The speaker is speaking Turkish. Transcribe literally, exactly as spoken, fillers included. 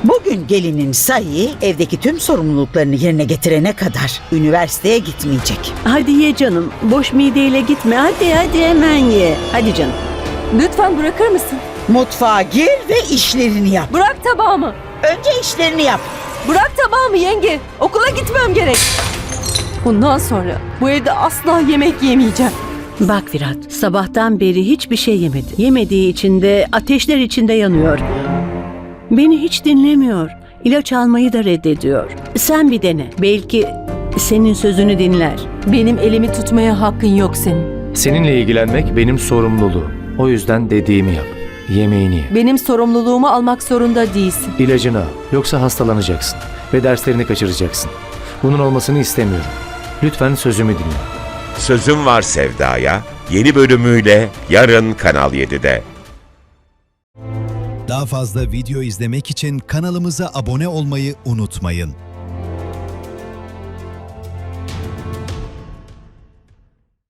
Bugün gelinin Sayı evdeki tüm sorumluluklarını yerine getirene kadar üniversiteye gitmeyecek. Hadi ye canım. Boş mideyle gitme. Hadi hadi hemen ye. Hadi canım. Lütfen bırakır mısın? Mutfağa gir ve işlerini yap. Bırak tabağımı. Önce işlerini yap. Bırak tabağımı yenge. Okula gitmem gerek. Bundan sonra bu evde asla yemek yemeyeceğim. Bak Virat, sabahtan beri hiçbir şey yemedi. Yemediği için de ateşler içinde yanıyor. Beni hiç dinlemiyor. İlaç almayı da reddediyor. Sen bir dene. Belki senin sözünü dinler. Benim elimi tutmaya hakkın yok senin. Seninle ilgilenmek benim sorumluluğum. O yüzden dediğimi yap. Yemeğini ye. Benim sorumluluğumu almak zorunda değilsin. İlacını al. Yoksa hastalanacaksın. Ve derslerini kaçıracaksın. Bunun olmasını istemiyorum. Lütfen sözümü dinle. Sözüm Var Sevda'ya yeni bölümüyle yarın Kanal yedide. Daha fazla video izlemek için kanalımıza abone olmayı unutmayın.